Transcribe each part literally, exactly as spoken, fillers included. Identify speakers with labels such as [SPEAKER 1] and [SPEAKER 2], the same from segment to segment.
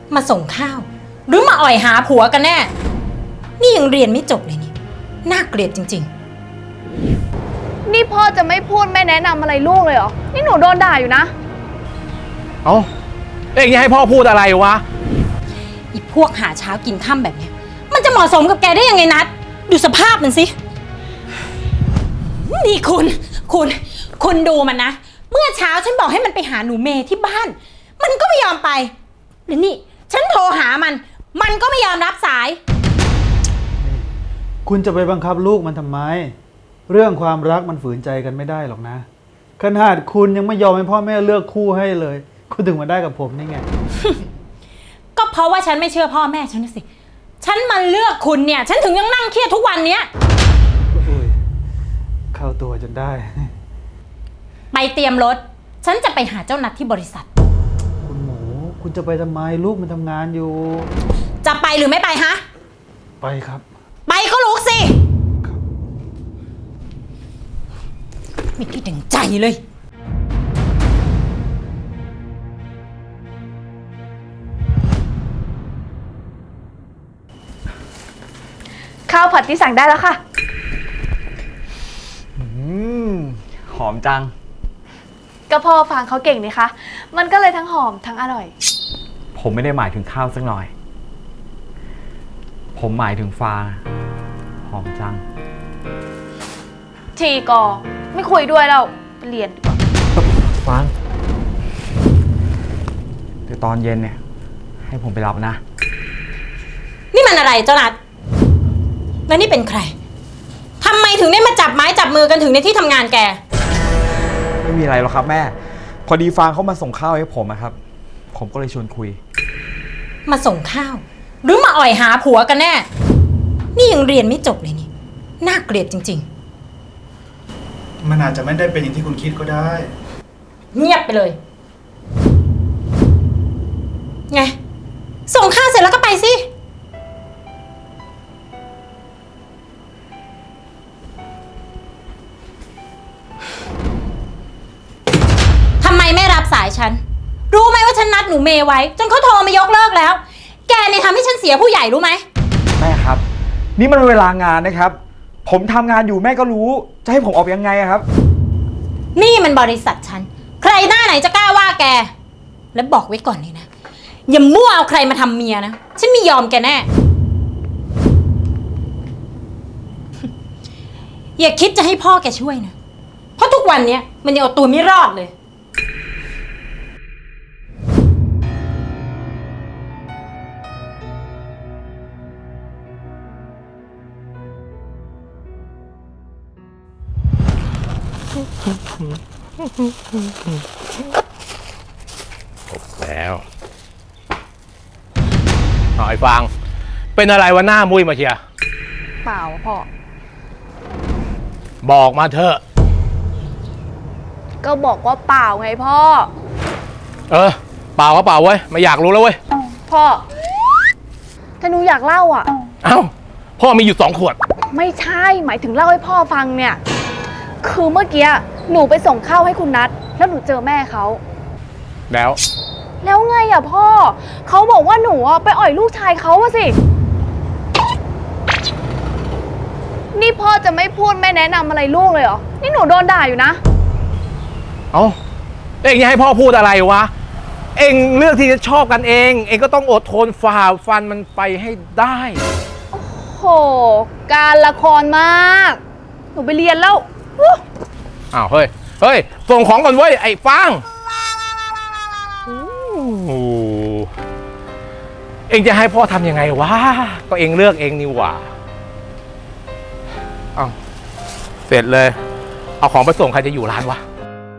[SPEAKER 1] มาส่งข้าวหรือมาอ่อยหาผัวกันแน่นี่ยังเรียนไม่จบเลยนี่น่าเกลียดจริง
[SPEAKER 2] ๆนี่พ่อจะไม่พูดไม่แนะนำอะไรลูกเลยเหรอนี่หนูโดนด่าอยู่นะ
[SPEAKER 3] เอ้าเอ็งจะให้พ่อพูดอะไรวะ
[SPEAKER 1] อีพวกหาเช้ากินค่ำแบบเนี้ยมันจะเหมาะสมกับแกได้ยังไงนัดดูสภาพมันสินี่คุณคุณคุณดูมันนะเมื่อเช้าฉันบอกให้มันไปหาหนูเมย์ที่บ้านมันก็ไม่ยอมไปแล้วนี่ฉันโทรหามันมันก็ไม่ยอมรับสาย
[SPEAKER 4] คุณจะไปบังคับลูกมันทำไมเรื่องความรักมันฝืนใจกันไม่ได้หรอกนะขนาดคุณยังไม่ยอมให้พ่อแม่เลือกคู่ให้เลยคุณถึงมาได้กับผมนี่ไง
[SPEAKER 1] ก็เพราะว่าฉันไม่เชื่อพ่อแม่ฉันนะสิฉันมาเลือกคุณเนี่ยฉันถึงยังนั่งเครียดทุกวันเนี้ย
[SPEAKER 4] อุ้ยเข้าตัวจนได้
[SPEAKER 1] ไปเตรียมรถฉันจะไปหาเจ้านัดที่บริษัท
[SPEAKER 4] คุณหมูคุณจะไปทำไมลูกมันทำงานอยู่
[SPEAKER 1] จะไปหรือไม่ไปฮะ
[SPEAKER 4] ไปครับ
[SPEAKER 1] ไปก็ลุกสิไม่คิดถึงใจเลย
[SPEAKER 2] ข้าวผัดที่สั่งได้แล้วค่ะ
[SPEAKER 3] อืมหอมจัง
[SPEAKER 2] ก็พ่อฟางเขาเก่งนี่คะมันก็เลยทั้งหอมทั้งอร่อย
[SPEAKER 3] ผมไม่ได้หมายถึงข้าวสักหน่อยผมหมายถึงฟางหอมจัง
[SPEAKER 2] ทีกอไม่คุยด้วยแล้วไปเรียนดีกว่า
[SPEAKER 3] ฟางเดี๋ยวตอนเย็นเนี่ยให้ผมไปรับนะ
[SPEAKER 1] นี่มันอะไรเจ้านัดแล้วนี่เป็นใครทำไมถึงได้มาจับไม้จับมือกันถึงในที่ทำงานแก
[SPEAKER 3] ไม่มีอะไรหรอกครับแม่พอดีฟางเขามาส่งข้าวให้ผมนะครับผมก็เลยชวนคุย
[SPEAKER 1] มาส่งข้าวหรือมาอ่อยหาผัวกันแน่นี่ยังเรียนไม่จบเลยนี่น่าเกลียดจริง
[SPEAKER 4] ๆมันอาจจะไม่ได้เป็นอย่างที่คุณคิดก็ได้
[SPEAKER 1] เงียบไปเลยไงส่งข้าวเสร็จแล้วก็ไปสิทำไมไม่รับสายฉันรู้ไหมว่าฉันนัดหนูเมย์ไว้จนเขาโทรมายกเลิกแล้วแกเนี่ยทำให้ฉันเสียผู้ใหญ่รู้ไหม
[SPEAKER 3] แม่ครับนี่มันเวลางานนะครับผมทำงานอยู่แม่ก็รู้จะให้ผมออกยังไงครับ
[SPEAKER 1] นี่มันบริษัทฉันใครหน้าไหนจะกล้าว่าแกแล้วบอกไว้ก่อนเลยนะอย่ามั่วเอาใครมาทำเมียนะฉันไม่ยอมแกแน่ อย่าคิดจะให้พ่อแกช่วยนะเพราะทุกวันนี้มันยังเอาตัวไม่รอดเลย
[SPEAKER 5] จบแล้วหอยฟางเป็นอะไรวะหน้ามุ้ยมาเชีย
[SPEAKER 2] เปล่าพ่อ
[SPEAKER 5] บอกมาเถอะ
[SPEAKER 2] ก็บอกว่าเปล่าไงพ่อ
[SPEAKER 5] เออเปล่าก็เปล่าเว้ยไม่อยากรู้แล้วเว้ย
[SPEAKER 2] พ่อถ้าหนูอยากเล่าอ่ะ
[SPEAKER 5] เอ้าพ่อมีอยู่สองขวด
[SPEAKER 2] ไม่ใช่หมายถึงเล่าให้พ่อฟังเนี่ยคือเมื่อกี้หนูไปส่งข้าวให้คุณนัทแล้วหนูเจอแม่เขา
[SPEAKER 5] แล้ว
[SPEAKER 2] แล้วไงอ่ะพ่อเขาบอกว่าหนูอ่ะไปอ่อยลูกชายเขาอะสินี่พ่อจะไม่พูดไม่แนะนำอะไรลูกเลยเหรอนี่หนูโดนด่าอยู่นะ
[SPEAKER 5] เอ้าเอ็งจะให้พ่อพูดอะไรวะเอ็งเลือกที่จะชอบกันเองเอ็งก็ต้องอดทนฝ่าฟันมันไปให้ได้
[SPEAKER 2] โอ้โหการละครมากหนูไปเรียนแล้ว
[SPEAKER 5] อ้าวเฮ้ยเฮ้ยส่งของก่อนเว้ยไอ้ฟางเอ็งจะให้พ่อทำยังไงวะก็เอ็งเลือกเองนี่หว่าอ้าวเสร็จเลยเอาของไปส่งใครจะอยู่ร้านวะ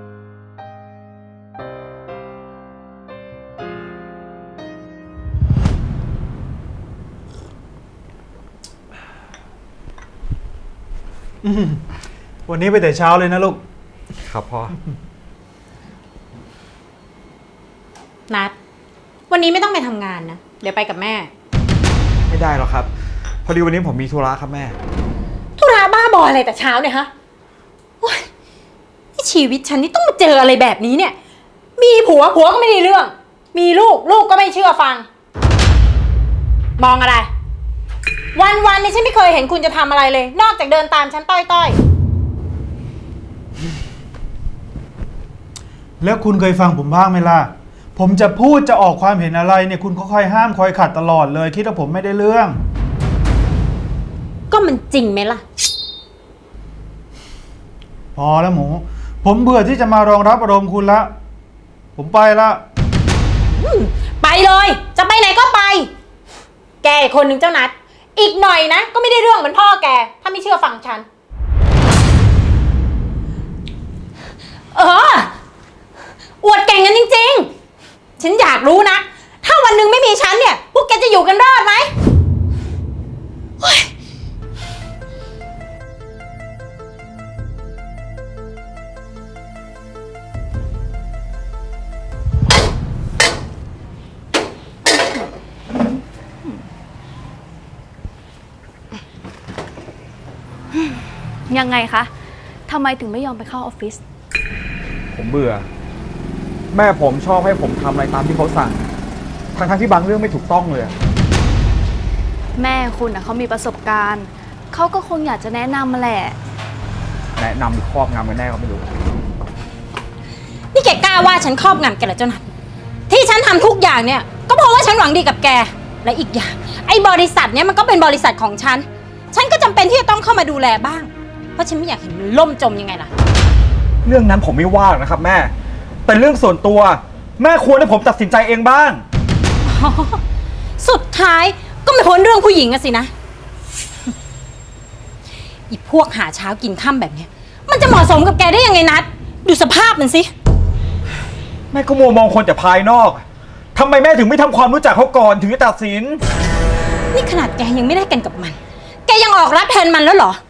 [SPEAKER 4] วันนี้ไปแต่เช้าเลยนะลูก
[SPEAKER 3] ครับพ่อ
[SPEAKER 1] นัดวันนี้ไม่ต้องไปทำงานนะเดี๋ยวไปกับแม่
[SPEAKER 3] ไม่ได้หรอกครับพอดีวันนี้ผมมีธุระครับแม่
[SPEAKER 1] ธุระบ้าบออะไรแต่เช้าเนี่ยฮะโอ๊ยที่ชีวิตฉันนี่ต้องมาเจออะไรแบบนี้เนี่ยมีผัวผัวก็ไม่ได้เรื่องมีลูกลูกก็ไม่เชื่อฟังมองอะไร วันวันๆนี้ฉันไม่เคยเห็นคุณจะทำอะไรเลย นอกจากเดินตามฉันต้อย
[SPEAKER 4] แล้วคุณเคยฟังผมบ้างไหมล่ะ ผมจะพูดจะออกความเห็นอะไรเนี่ยคุณก็คอยห้ามคอยขัดตลอดเลย คิดว่าผมไม่ได้เรื่อง
[SPEAKER 1] ๆ ก็มันจริงไหมล่ะ
[SPEAKER 4] พอแล้วหมู ผมเบื่อที่จะมารองรับอารมณ์คุณละ ผมไปละ
[SPEAKER 1] ไปเลย จะไปไหนก็ไป แกอีกคนหนึ่งเจ้านัด อีกหน่อยนะ ก็ไม่ได้เรื่องเหมือนพ่อแก ถ้าไม่เชื่อฟังฉัน เออ อวดเก่งกันจริงๆ ฉันอยากรู้นะ ถ้าวันหนึ่งไม่มีฉันเนี่ย พวกแกจะอยู่กันรอดไหมเฮ้ย
[SPEAKER 2] ยังไงคะทำไมถึงไม่ยอมไปเข้าออฟฟิศ
[SPEAKER 3] ผมเบื่อ แม่ผมชอบให้ผมทำอะไรตามที่เขาสั่ง ทั้งๆที่บางเรื่องไม่ถูกต้องเลย
[SPEAKER 2] แม่คุณนะเขามีประสบการณ์ เขาก็คงอยากจะแนะนำมาแหละ
[SPEAKER 3] แนะนำหรือครอบงำกันแน่ก็ไม่รู้
[SPEAKER 1] นี่แกกล้าว่าฉันครอบงำแกเหรอเจ้านัทที่ฉันทำทุกอย่างเนี่ย ก็เพราะว่าฉันหวังดีกับแก และอีกอย่าง ไอ้บริษัทเนี่ยมันก็เป็นบริษัทของฉัน ฉันก็จำเป็นที่จะต้องเข้ามาดูแลบ้าง เพราะฉันไม่อยากเห็นมันล่มจมยังไงล่ะ
[SPEAKER 3] เรื่องนั้นผมไม่ว่าหรอกนะครับแม่ แต่เรื่องส่วนตัว แม่ควรให้ผมตัดสินใจเองบ้าง
[SPEAKER 1] สุดท้ายก็ไม่พ้นเรื่องผู้หญิงอะสินะ อีพวกหาเช้ากินค่ำแบบเนี้ย มันจะเหมาะสมกับแกได้ยังไงนัด ดูสภาพมันสิ
[SPEAKER 3] แม่ก็มัวมองคนแต่ภายนอกทำไมแม่ถึงไม่ทำความรู้จักเขาก่อนถึงจะตัดสิน
[SPEAKER 1] นี่ขนาดแกยังไม่ได้กันกับมัน แกยังออกรับแทนมันแล้วเหรอ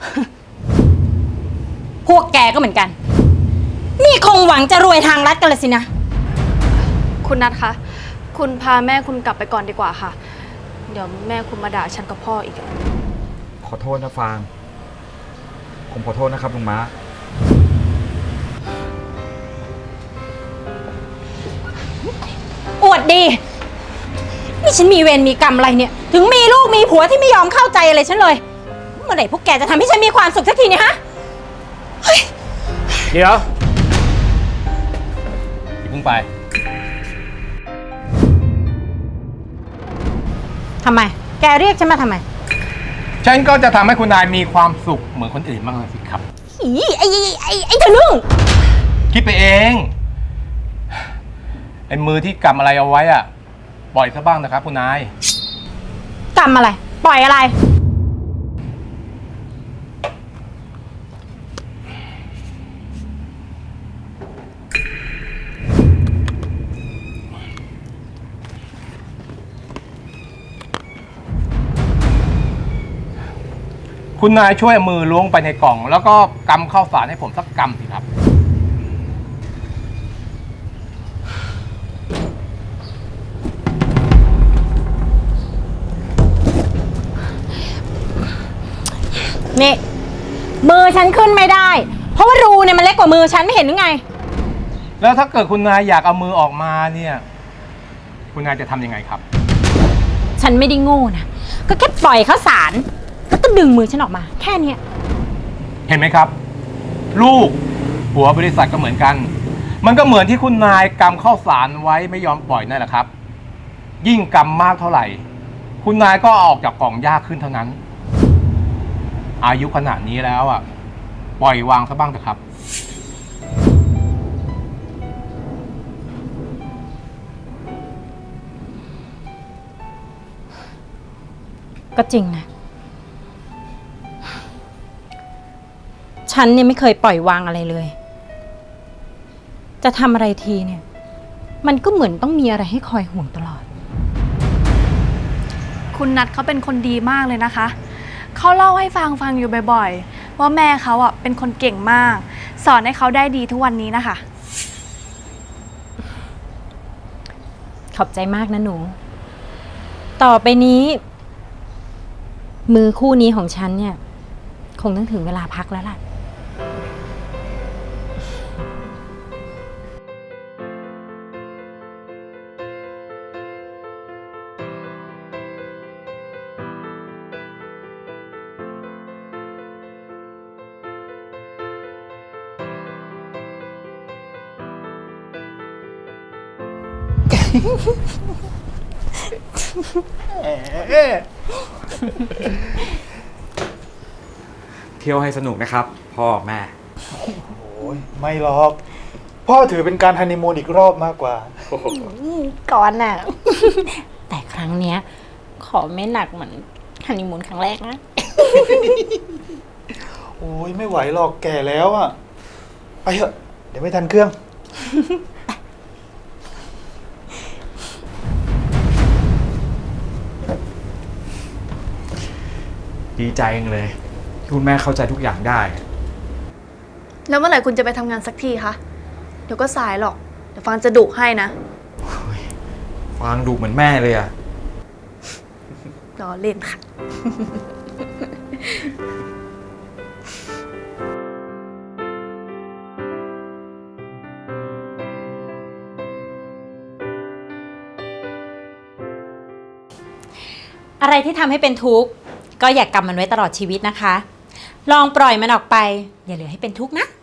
[SPEAKER 1] พวกแกก็เหมือนกัน นี่คงหวังจะรวยทางลัดกันเลยสินะ
[SPEAKER 2] คุณนัทคะ คุณพาแม่คุณกลับไปก่อนดีกว่าค่ะ เดี๋ยวแม่คุณมาด่าฉันกับพ่ออีก
[SPEAKER 3] ขอโทษนะฟาง ผมขอโทษนะครับลุงม้า
[SPEAKER 1] อวดดี นี่ฉันมีเวรมีกรรมอะไรเนี่ย ถึงมีลูกมีผัวที่ไม่ยอมเข้าใจอะไรฉันเลย เมื่อไหร่พวกแกจะทำให้ฉันมีความสุขสักทีเนี่ยฮะ เฮ้ย
[SPEAKER 5] เดี๋ยวอย่าเพิ่งไป
[SPEAKER 1] ทำไม แกเรียกฉันมาทำไม
[SPEAKER 5] ฉันก็จะทำให้คุณนายมีความสุขเหมือนคนอื่นบ้างเลยสิครับ
[SPEAKER 1] อีไอ้ไอ้ไอ้ไอ้ทะลึ่ง
[SPEAKER 5] คิดไปเอง ไอ้มือที่กำอะไรเอาไว้อะปล่อยซะบ้างนะครับคุณนาย
[SPEAKER 1] กรรมอะไร ปล่อยอะไร
[SPEAKER 5] คุณนายช่วยเอามือล้วงไปในกล่อง แล้วก็กำข้าวสารให้ผมสักกำสิครับ
[SPEAKER 1] นี่ มือฉันขึ้นไม่ได้ เพราะว่ารูเนี่ยมันเล็กกว่ามือฉันไม่เห็นหรือไง
[SPEAKER 5] แล้วถ้าเกิดคุณนายอยากเอามือออกมาเนี่ย คุณนายจะทำยังไงครับ
[SPEAKER 1] ฉันไม่ได้โง่นะ ก็แค่ปล่อยข้าวสารแล้วก็ดึงมือฉันออกมา แค่เนี้ย
[SPEAKER 5] เห็นไหมครับ ลูกหัวบริษัทก็เหมือนกัน มันก็เหมือนที่คุณนายกำข้าวสารไว้ไม่ยอมปล่อยนั่นแหละครับ ยิ่งกำมากเท่าไหร่ คุณนายก็ออกจากกล่องยากขึ้นเท่านั้น อายุขนาดนี้แล้วอ่ะ ปล่อยวางซะบ้างเถอะครับ
[SPEAKER 1] ก็จริงนะ ฉันเนี่ยไม่เคยปล่อยวางอะไรเลย จะทำอะไรทีเนี่ย มันก็เหมือนต้องมีอะไรให้คอยห่วงตลอด
[SPEAKER 2] คุณนัทเขาเป็นคนดีมากเลยนะคะ เขาเล่าให้ฟังฟังอยู่บ่อยๆ ว่าแม่เขาอ่ะเป็นคนเก่งมาก สอนให้เขาได้ดีทุกวันนี้นะคะ
[SPEAKER 1] ขอบใจมากนะหนู ต่อไปนี้ มือคู่นี้ของฉันเนี่ย คงต้องถึงเวลาพักแล้วล่ะ
[SPEAKER 3] เที่ยวให้สนุกนะครับ พ่อแม่
[SPEAKER 4] โอ้ยไม่หรอก พ่อถือเป็นการฮันนีมูนอีกรอบมากกว่า
[SPEAKER 1] ก่อนน่ะ แต่ครั้งเนี้ย ขอไม่หนักเหมือนฮันนีมูนครั้งแรกนะ
[SPEAKER 4] โอ้ยไม่ไหวหรอกแก่แล้วอ่ะ ไปเถอะ เดี๋ยวไม่ทันเครื่อง
[SPEAKER 3] ดีใจจังเลยที่คุณแม่เข้าใจทุกอย่างได้
[SPEAKER 2] แล้วเมื่อไหร่คุณจะไปทำงานสักทีคะ เดี๋ยวก็สายหรอก เดี๋ยวฟางจะดุให้นะ
[SPEAKER 3] ฟังดูเหมือนแม่เลยอะ
[SPEAKER 2] รอเล่นค่ะ
[SPEAKER 1] อะไรที่ทำให้เป็นทุกข์ก็อย่ากกำมันไว้ตลอดชีวิตนะคะ ลองปล่อยมันออกไป อย่าเหลือให้เป็นทุกข์นะ